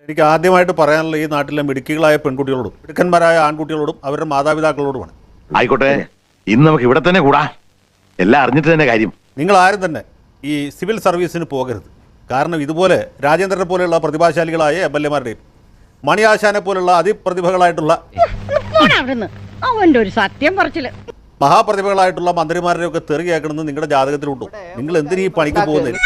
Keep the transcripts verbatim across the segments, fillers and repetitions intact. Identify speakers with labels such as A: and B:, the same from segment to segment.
A: എനിക്ക് ആദ്യമായിട്ട് പറയാനുള്ള ഈ നാട്ടിലെ മിടുക്കികളായ പെൺകുട്ടികളോടും മിടുക്കന്മാരായ ആൺകുട്ടികളോടും അവരുടെ മാതാപിതാക്കളോടുമാണ്.
B: ആയിക്കോട്ടെ, ഇന്ന് നമുക്ക് ഇവിടെ തന്നെ കൂടാ. എല്ലാം അറിഞ്ഞിട്ട് തന്നെ കാര്യം.
A: നിങ്ങൾ ആരും തന്നെ ഈ സിവിൽ സർവീസിന് പോകരുത്. കാരണം ഇതുപോലെ രാജേന്ദ്രനെ പോലെയുള്ള പ്രതിഭാശാലികളായ എം എൽ എമാരുടെയും മണിയാശാനെ പോലുള്ള അതിപ്രതിഭകളായിട്ടുള്ള
C: അവന്റെ ഒരു സത്യം പറച്ചില്
A: മഹാപ്രതിഭകളായിട്ടുള്ള മന്ത്രിമാരുടെ ഒക്കെ തെറി കേൾക്കണമെന്ന് നിങ്ങളുടെ ജാതകത്തിലുണ്ടോ? നിങ്ങൾ എന്തിനു ഈ പണിക്ക് പോകുന്നത്?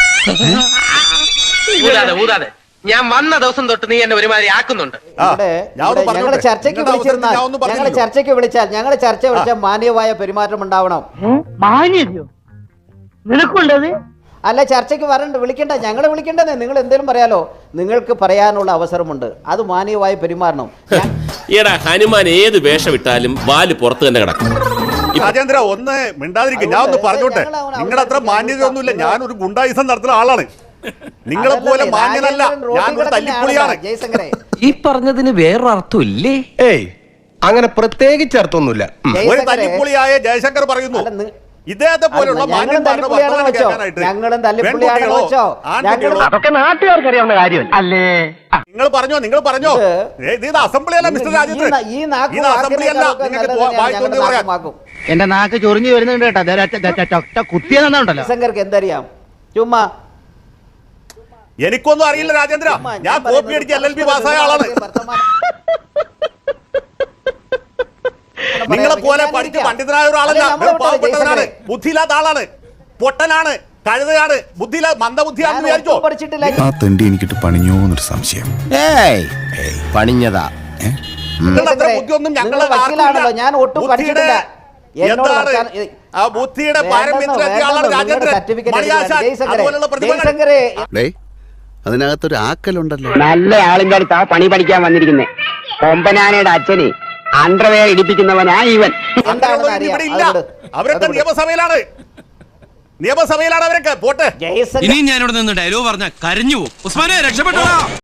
D: ഞാൻ വന്ന ദിവസം തൊട്ട് നീ എന്നെ ഒരുമാതിരി ആക്കുന്നുണ്ട്.
E: ഞങ്ങളെ ചർച്ചയ്ക്ക് വിളിച്ചിരുന്നാൽ ഞങ്ങളെ ചർച്ചയ്ക്ക് വിളിച്ചാൽ ഞങ്ങളെ ചർച്ച വിളിച്ചാൽ മാന്യമായ പെരുമാറ്റം ഉണ്ടാവണം.
F: മാന്യതയോ നിനക്കുള്ളത്?
E: അല്ല, ചർച്ചയ്ക്ക് വരണ്ട, വിളിക്കണ്ട, ഞങ്ങളെ വിളിക്കേണ്ടത്. നിങ്ങൾ എന്തെങ്കിലും പറയാലോ, നിങ്ങൾക്ക് പറയാനുള്ള അവസരമുണ്ട്, അത് മാന്യമായി പെരുമാറണം.
G: ഈടാ ഹനുമാൻ ഏത് വേഷം ഇട്ടാലും വാല് പുറത്ത് തന്നെ കിടക്കും.
A: രാജേന്ദ്ര ഒന്ന് മിണ്ടാതിരിക്കും. ഞാൻ ഒന്ന് പറഞ്ഞോട്ടെ, നിങ്ങളുടെ അത്ര മാന്യതയൊന്നുമില്ല. ഞാനൊരു ഗുണ്ടായുസം നടത്തുന്ന ആളാണ്. നിങ്ങളെ പോലെ മാന്യനല്ല, ഞാനൊരു തല്ലിപ്പൊളിയാണ്.
H: ഈ പറഞ്ഞതിന് വേറൊരർത്ഥം ഇല്ലേ?
I: ഏയ്, അങ്ങനെ പ്രത്യേകിച്ച് അർത്ഥമൊന്നുമില്ല.
A: ഒരു തല്ലിപ്പൊളിയായ ജയശങ്കർ പറയുന്നു ഇദ്ദേഹത്തെ പോലുള്ള
F: അതൊക്കെ നാട്ടുകാർക്ക് അറിയാവുന്ന കാര്യമല്ല അല്ലേ?
A: നിങ്ങൾ പറഞ്ഞോ, നിങ്ങൾ പറഞ്ഞോ. ഇത് അസംബ്ലി അല്ല മിസ്റ്റർ രാജേന്ദ്രൻ, ഇത് അസംബ്ലി അല്ല.
F: എന്റെ നാക്ക് ചൊറിഞ്ഞു വരുന്നുണ്ട് കേട്ടോ. കുത്തിയെന്നുണ്ടല്ലോ.
E: ജയശങ്കർക്ക് എന്തറിയാം? ചുമ്മാ
A: എനിക്കൊന്നും അറിയില്ല രാജേന്ദ്ര. ഞാൻ കോപ്പി അടിച്ച് എൽ എൽ ബി പാസ്സായ ആളാണ്. നിങ്ങളെ പോലെ പഠിച്ച് പണ്ഡിതനായ ഒരാളല്ല, പാവപ്പെട്ടവനാണ്, ബുദ്ധിയില്ലാത്ത ആളാണ്, പൊട്ടനാണ്, കഴുതയാണ്, ബുദ്ധിയില്ല മന്ദബുദ്ധിയാണെന്ന് വിചാരിച്ചോ?
J: ആ തെണ്ടി എനിക്കിട്ട് പണിഞ്ഞോന്നൊരു സംശയം.
H: പണിഞ്ഞതാ.
A: നിങ്ങളത്ര ബുദ്ധിയൊന്നും ഞങ്ങളെ
E: ഞാൻ ഒട്ടും പഠിച്ചിട്ടില്ല.
A: ആ ബുദ്ധിയുടെ പാരമ്യത്തിലെത്തിയ ആളാണ് രാജേന്ദ്രൻ.
J: അതിനകത്തൊരു ആക്കലുണ്ടല്ലോ.
F: നല്ല ആളിന്റെ അടുത്താ പണി പഠിക്കാൻ വന്നിരിക്കുന്നേ. കൊമ്പനാനയുടെ അച്ഛന് അണ്ടർവെയർ ഇടിപ്പിക്കുന്നവനാ ഇവൻ.
A: ഇവിടെ ഇല്ല, അവരൊക്കെ നിയമസഭയിലാണ്, നിയമസഭയിലാണ് അവരൊക്കെ. പോട്ടെ,
G: ഇനി ഞാനിവിടെ നിന്ന് ഡയലോഗ് പറഞ്ഞ കരഞ്ഞു പോകും. ഉസ്മാനെ രക്ഷപ്പെട്ടോ.